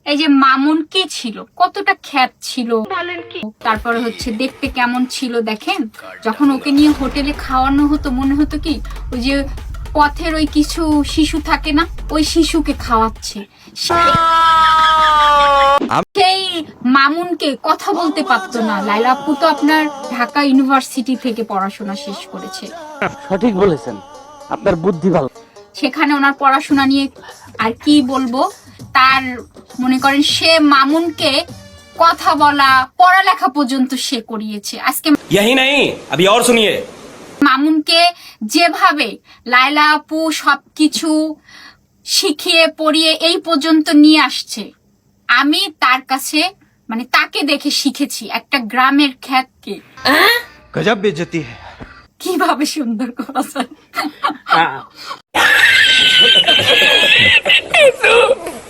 এই যে মামুন কে ছিল, কতটা খ্যাত ছিল, তারপরে হচ্ছে দেখতে কেমন ছিল দেখেন। যখন ওকে নিয়ে হোটেলে খাওয়ানো হতো মনে হতো কি ওই যে পথের ওই কিছু শিশু থাকে না, ওই শিশুকে খাওয়াচ্ছে। সেই মামুনকে কথা বলতে পারতো না। লাইলা আপু তো আপনার ঢাকা ইউনিভার্সিটি থেকে পড়াশোনা শেষ করেছে। সঠিক বলেছেন, আপনার বুদ্ধি ভালো। সেখানে ওনার পড়াশোনা নিয়ে আর কি বলবো, তার মনে করেন সে মামুনকে কথা বলা পড়ালেখা পর্যন্ত সে করিয়েছে। আজকে यही नहीं अभी और सुनिए। মামুনকে যেভাবে লাইলা আপু সবকিছু শিখিয়ে পড়িয়ে এই পর্যন্ত নিয়ে আসছে, আমি তার কাছে মানে তাকে দেখে শিখেছি একটা গ্রামের খ্যাতকে गजब बेइज्जती है। কিভাবে সুন্দর করা যায়।